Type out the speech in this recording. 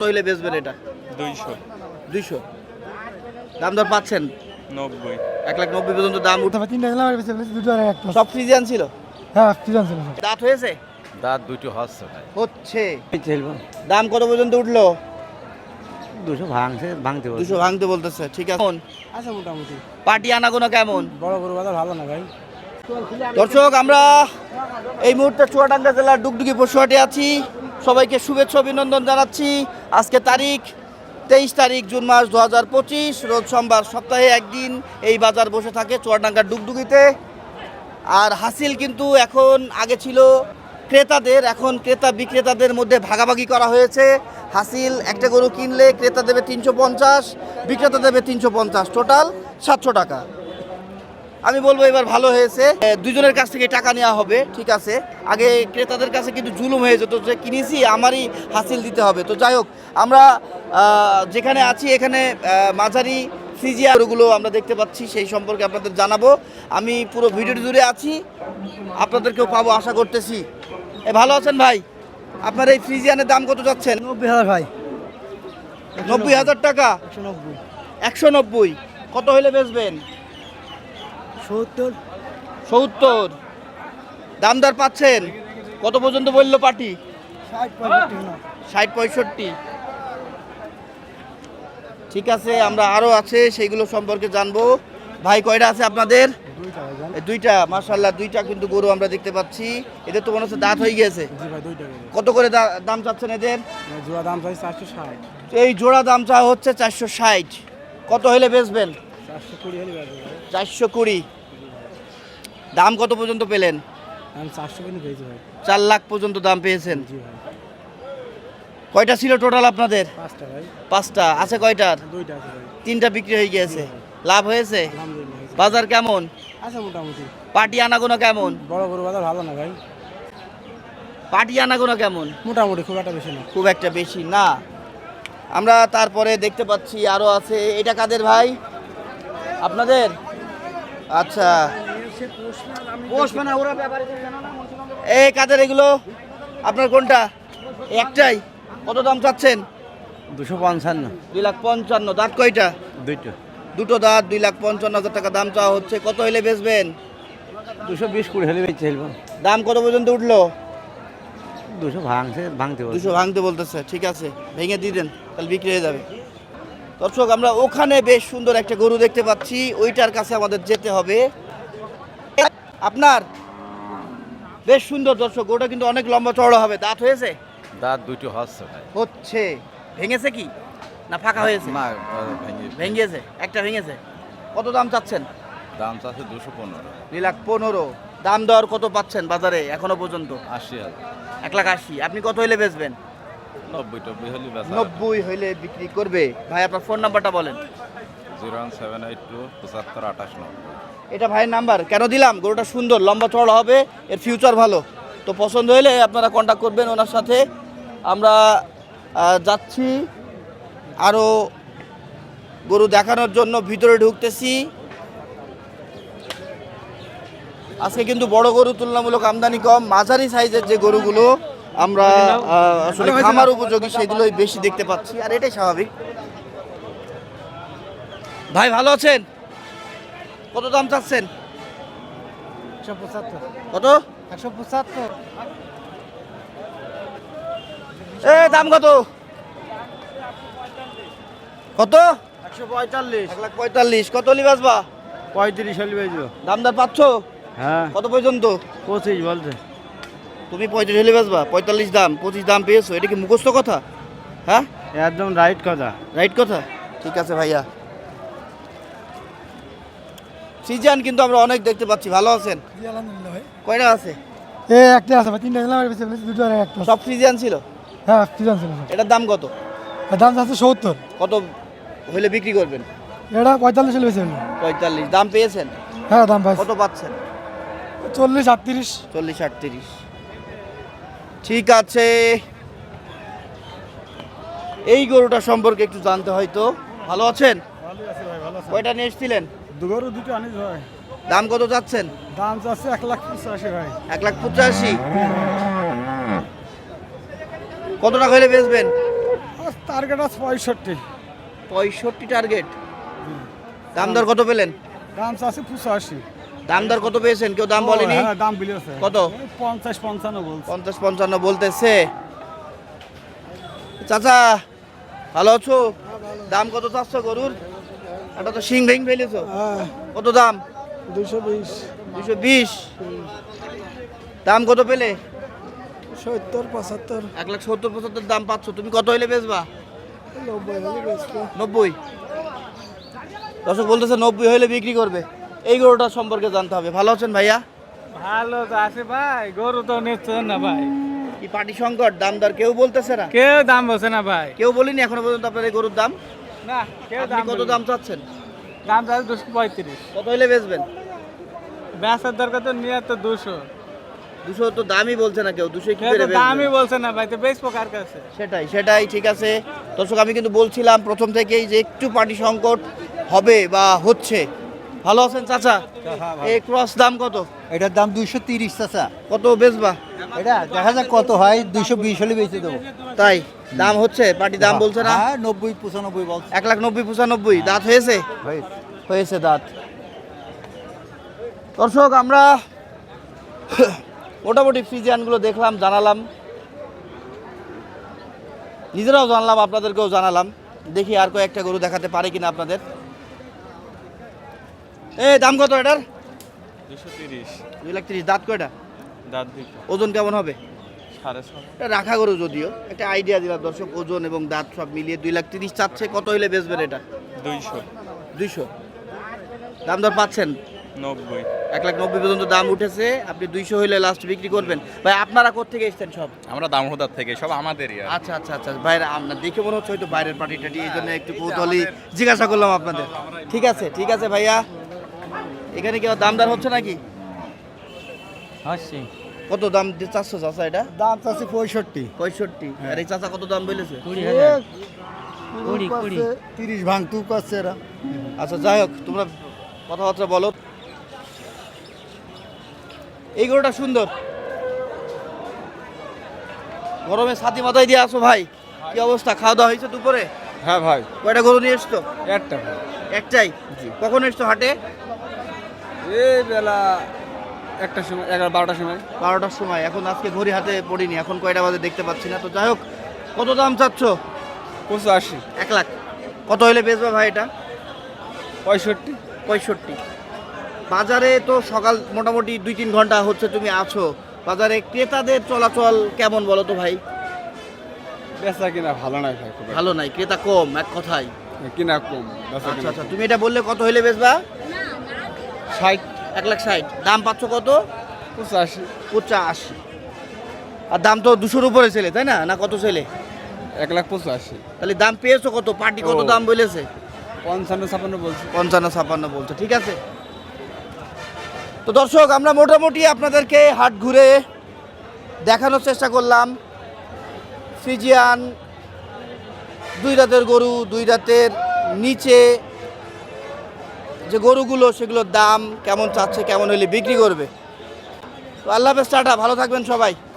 হইলে বেচবেন এটা? 200 দাম দর পাচ্ছেন? 90 1,90,000 পর্যন্ত দাম উঠে। দুটো সব ফ্রিজিয়ান ছিল? হ্যাঁ ফ্রিজিয়ান ছিল। দাঁত হয়েছে? দাঁত দুটো হচ্ছে। দাম কত পর্যন্ত উঠলো? 200 ভাঙতে 200 ভাঙতে বলতেছে। ঠিক আছে। আচ্ছা মোটামুটি পার্টি আনাগোনা কেমন? বড় গরু বাজার ভালো না ভাই। দর্শক, আমরা এই মুহূর্তে চুয়াডাঙ্গা জেলার ডুগডুগি পশুহাটে আছি। সবাইকে শুভেচ্ছা অভিনন্দন জানাচ্ছি। আজকে তারিখ 23 তারিখ জুন মাস 2025, রোজ সোমবার। সপ্তাহে একদিন এই বাজার বসে থাকে চুয়াডাঙ্গার ডুগডুগিতে। আর হাসিল কিন্তু এখন আগে ছিল ক্রেতাদের, এখন ক্রেতা বিক্রেতাদের মধ্যে ভাগাভাগি করা হয়েছে। হাসিল একটা গরু কিনলে ক্রেতা দেবে 350, বিক্রেতা দেবে 350, টোটাল 700 টাকা। আমি বলবো এবার ভালো হয়েছে, দুজনের কাছ থেকে টাকা নেওয়া হবে। ঠিক আছে, আগে ক্রেতাদের কাছে কিন্তু জুলুম হয়ে যেত যে কিনেছি আমারই হাসিল দিতে হবে। তো যাই হোক, আমরা যেখানে আছি এখানে মাঝারি ফ্রিজিয়ারগুলো আমরা দেখতে পাচ্ছি, সেই সম্পর্কে আপনাদের জানাবো। আমি পুরো ভিডিওটি জুড়ে আছি, আপনাদেরকেও পাবো আশা করতেছি। ভালো আছেন ভাই? আপনার এই ফ্রিজিয়ানের দাম কত যাচ্ছেন? 90,000 ভাই। 90,000 টাকা? 190 190। কত হইলে বেচবেন? 70। দাম দর পাচ্ছেন? কত পর্যন্ত বললো পার্টি? 60-65। ঠিক আছে, আমরা আরো আছে সেইগুলো সম্পর্কে জানবো। ভাই কয়টা আছে আপনাদের? দুইটা। মাশাআল্লাহ, দুইটা কিন্তু গরু আমরা দেখতে পাচ্ছি। এদের তো মনে হচ্ছে দাঁত হয়ে গেছে। কত করে দাম চাচ্ছেন এদের? জোড়া দাম চাই 460। এই জোড়া দাম চা হচ্ছে 460। কত হইলে বেচবেন? 420 হলে বেচবো ভাই। 420। দাম কত পর্যন্ত পেলেন? আমি 400 পর্যন্ত পেয়েছি ভাই। 4 লাখ পর্যন্ত দাম পেয়েছেন। জি ভাই। কয়টা ছিল টোটাল আপনাদের? 5টা ভাই। 5টা আছে। কয়টার? 2টা আছে ভাই। 3টা বিক্রি হয়ে গিয়েছে। লাভ হয়েছে? আলহামদুলিল্লাহ। বাজার কেমন? আচ্ছা মোটামুটি। পার্টি আনাগোনা কেমন? বড় গরু বাজার ভালো না ভাই। পার্টি আনাগোনা কেমন? মোটামুটি, খুব একটা বেশি না। খুব একটা বেশি না। আমরা তারপরে দেখতে পাচ্ছি আরো আছে। এটা কাদের ভাই? আপনাদের? আচ্ছা, এই কাদের এগুলো? আপনার কোনটা? একটাই। কত দাম চাচ্ছেন? 255 2,55,000। দাঁত কয়টা? দুটো দাঁত। 2,55,000 টাকা দাম চাওয়া হচ্ছে। কত হইলে বেচবেন? 220 করে হলে বেচে ফেলবো। দাম কত পর্যন্ত উঠলো? 200 ভাঙতে 200 ভাঙতে বলতেছে। ঠিক আছে, ভেঙে দিয়ে দেন, তাহলে বিক্রি হয়ে যাবে। দর্শক, আমরা ওখানে বেশ সুন্দর একটা গরু দেখতে পাচ্ছি, ওইটার কাছে আমাদের যেতে হবে। আপনার বেশ সুন্দর দর্শক, গরুটা কিন্তু অনেক লম্বা চওড়া হবে। দাঁত হয়েছে? দাঁত দুটো হচ্ছে ভাই। হচ্ছে। ভেঙেছে কি না ফাঁকা হয়েছে? না, ভেঙেছে, একটা ভেঙেছে। কত দাম চাচ্ছেন? দাম চাচ্ছে 215। 2,15,000। দাম দর কত পাচ্ছেন বাজারে এখনো পর্যন্ত? 80,000। 1,80,000। আপনি কত হইলে বেচবেন? 90 হলে বেচা। 90 হইলে বিক্রি করবে। ভাই আপনার ফোন নাম্বারটা বলেন। 01782 75 28 90। এটা ভাইয়ের নাম্বার। কেন দিলাম? গরুটা সুন্দর, লম্বা চওড়া হবে, এর ফিউচার ভালো। তো পছন্দ হলে আপনারা কন্ট্যাক্ট করবেন ওনার সাথে। আমরা যাচ্ছি আরও গরু দেখানোর জন্য, ভিতরে ঢুকতেছি। আজকে কিন্তু বড় গরু তুলনামূলক আমদানি কম। মাঝারি সাইজের যে গরুগুলো আমরা আসলে খামার উপযোগী সেগুলোই বেশি দেখতে পাচ্ছি, আর এটাই স্বাভাবিক। ভাই ভালো আছেন? কত দাম চাচ্ছেন? 175। কত? 175। দাম কত? কত? 145। 1,45,000। কত হলি বাজবা? 35 হলে বেচবো। দাম দর পাচ্ছ? হ্যাঁ। কত পর্যন্ত? 25 বলছে। তুমি 35 হলে বাজবা? 45 দাম, 25 দাম পেয়েছো। এটা কি মুখস্থ কথা? হ্যাঁ, একদম রাইট কথা। রাইট কথা। ঠিক আছে ভাইয়া। সিজন কিন্তু আমরা অনেক দেখতে পাচ্ছি। ভালো আছেন? আলহামদুলিল্লাহ ভাই। কয়টা আছে? একটা আছে ভাই, 3টা দিলাম, দুটো আর একটা। সব ফ্রিজিয়ান ছিল? হ্যাঁ ফ্রিজিয়ান ছিল। এটার দাম কত? দাম আছে 70। কত হইলে বিক্রি করবেন? এটা 45 হলে বেচে। 45 দাম পেয়েছেন? হ্যাঁ দাম পাইছি। কত পাচ্ছেন? 40 38। 40-38। ঠিক আছে, এই গরুটা সম্পর্কে একটু জানতে হয়তো। ভালো আছেন? ভালো আছে ভাই, ভালো আছে। কয়টা নিয়ে এসেছিলেন? দুগরু দুটো আনিস ভাই। দাম কত যাচ্ছেন? দাম চাচ্ছে 1,85,000 ভাই। 1,85,000। কত টাকা হলে বেচবেন? টার্গেট আছে 65। 65 টার্গেট। দাম দর কত পেলেন? দাম আছে 85। দাম দর কত পেয়েছেন? কেউ দাম বলেনি? হ্যাঁ, দাম বলেছে কত? 50-55 বলছে। 50-55 বলতেছে। চাচা ভালো আছো? দাম কত চাচ্ছ গরুর? এটা তো শিং ভেঙে ফেলেছো। হ্যাঁ, কত দাম? 220, 220। দাম কত পেলে? 70-75, 1,70,75 দাম পাচ্ছ। তুমি কত হইলে বেচবা? 90 হলে বেচবো। 90। দর্শক বলতেছে 90 হইলে বিক্রি করবে। এই গরুটার সম্পর্কে জানতে হবে। ভালো আছেন ভাইয়া? ভালো তো আছে ভাই, গরু তো নিচ্ছেন না ভাই, কি পাটি সংকট? দাম দর কেউ বলতেছে না? কেউ দাম বলছে না ভাই। কেউ বলিনি এখনো পর্যন্ত আপনার এই গরুর দাম? না, কেউ আপনি কত দাম চাচ্ছেন? দাম চাচ্ছে 235। কত হইলে বেচবেন? বেচার দরকার তো নিয়ে তো 200। 200 তো দামই বলছে না কেউ। 200 কি কেউ করে তো দামই বেচবেন? বলছে না ভাই, তো বেচবো কার কাছে? সেটাই ঠিক আছে। দর্শক আমি কিন্তু বলছিলাম প্রথম থেকেই যে একটু পাটি সংকট হবে বা হচ্ছে। ভালো আছেন চাচা? এই ক্রস দাম কত? এটার দাম 230 চাচা। কত বেচবা? এটা দেখা যাক কত হয়, 220 হলে বেঁচে দেবো। তাই দাম হচ্ছে? পাটি দাম বলছে না? হ্যাঁ, 90-95 বলছে। 1,90,95। দাঁত হয়েছে? ভাই হয়েছে দাঁত। দর্শক আমরা মোটামুটি ফ্রিজিয়ানগুলো দেখলাম, জানালাম, নিজেরাও জানলাম, আপনাদেরকেও জানালাম। দেখি আর কয়েকটা গরু দেখাতে পারে কিনা আপনাদের। এই দাম কত এটার? 230। 2,30,000। দাঁত কয়টা? দাঁত দিকে ওজন কেমন হবে? 6.5। এটা রাখা গরু, যদিও একটা আইডিয়া দিলাম দর্শক। ওজন এবং দাঁত সব মিলিয়ে 2,30,000 চাচ্ছে। কত হইলে বেচবেন এটা? 200, 200। দাম দর পাচ্ছেন? 90। 1,90,000 পর্যন্ত দাম উঠেছে। আপনি 200 হইলে লাস্ট বিক্রি করবেন। ভাই আপনারা কোত্থেকে এসেছেন সব? আমরা দামোদার থেকে, সব আমাদেরই। আচ্ছা। বাইরে আপনার দেখে মনে হচ্ছে হয়তো বাইরের পার্টি টাটি, এই জন্য একটু কৌতূহলী জিজ্ঞাসা করলাম আপনাদের। ঠিক আছে ভাইয়া। এখানে কি দাম দর হচ্ছে নাকি? কত দাম চাচ্ছ চাচা এটা? দাম চাচ্ছে 65। 65। আর এই চাচা কত দাম বলেছে? 30 ভাঙতুক আছে এরা। আচ্ছা যাই হোক, তোমরা কথাবার্তা বলো। এই গরুটা সুন্দর। গরমে ছাতি মাথায় দিয়ে আসো ভাই। কি অবস্থা? খাওয়া দাওয়া হয়েছে দুপুরে? হ্যাঁ ভাই, কয়টা গরু নিয়ে এসছো? একটা ভাই। একটাই। কখন এসছো হাটে? এই বেলা 1টার সময়, 11-12টার সময়। 12টার সময়। এখন আজকে ঘড়ি হাতে পড়িনি, এখন কয়টা বাজে দেখতে পাচ্ছি না। তো যাই হোক, কত দাম চাচ্ছ? 85, 1 লাখ। কত হইলে বেচবা ভাই এটা? 65। 65। বাজারে তো সকাল মোটামুটি 2-3 ঘন্টা হচ্ছে তুমি আছো। বাজারে ক্রেতাদের চলাচল কেমন বলো তো ভাই? বেচা কিনা ভালো নাই ভাই, খুব ভালো নাই, ক্রেতা কম এক কথায়। কিনা কম। বেচা কিনা আচ্ছা, তুমি এটা বললে কত হইলে বেচবা? 60, 1,60,000। দাম পাচ্ছ কত? 85, 85। আর দাম তো 200-র উপরে ছেলে, তাই না? না কত ছেলে? 1,85,000। তাহলে দাম পেয়েছো কত? পার্টি কত ও। দাম বলেছে? 55-56 বলছে। 55-56 বলছে। ঠিক আছে। তো দর্শক আমরা মোটামুটি আপনাদেরকে হাট ঘুরে দেখানোর চেষ্টা করলাম। ফ্রিজিয়ান 2 দাঁতের গরু, 2 দাঁতের নিচে যে গরুগুলো, সেগুলোর দাম কেমন চাচ্ছে, কেমন হলে বিক্রি করবে। তো আল্লাহ হাফেজ, টাটা, ভালো থাকবেন সবাই।